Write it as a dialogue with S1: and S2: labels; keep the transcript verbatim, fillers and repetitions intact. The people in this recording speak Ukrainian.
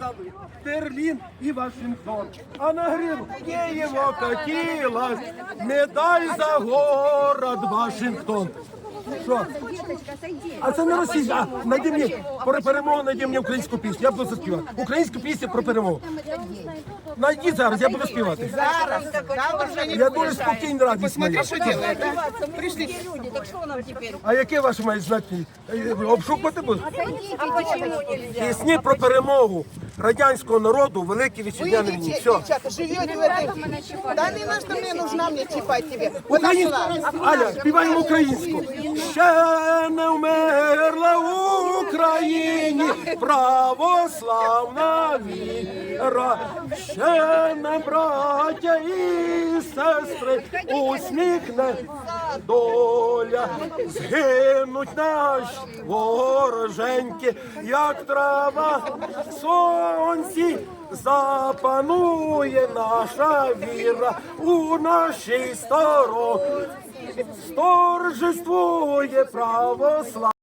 S1: держави Берлін і Вашингтон. А на гриву Києво катилась медаль за город Вашингтон. Що? А це не Росія. А найди мені про перемогу, найди мені українську пісню. Я буду заспівати. Українську пісню про перемогу. Найди зараз, я буду співати.
S2: Зараз, зараз.
S1: Я дуже спокійно, радість моя.
S2: Что делает, да?
S3: Пришли люди, так что нам теперь?
S1: А яке ваше має значення? Обшукувати будуть?
S3: А почему нельзя?
S1: Пісні про перемогу радянського народу у Великій Вітчизняній війні. Все.
S2: Девчата, живете в этой... Да не на что мне нужна, мне чипать тебе. Вот
S1: Українську.
S2: нашла.
S1: Аля, співаємо українську. Ще не вмерла в Україні православна віра. Ще не браття і сестри усміхне доля. Згинуть наші вороженьки, як трава в сонці. Запанує наша віра у нашій стороні, сторжествує православ.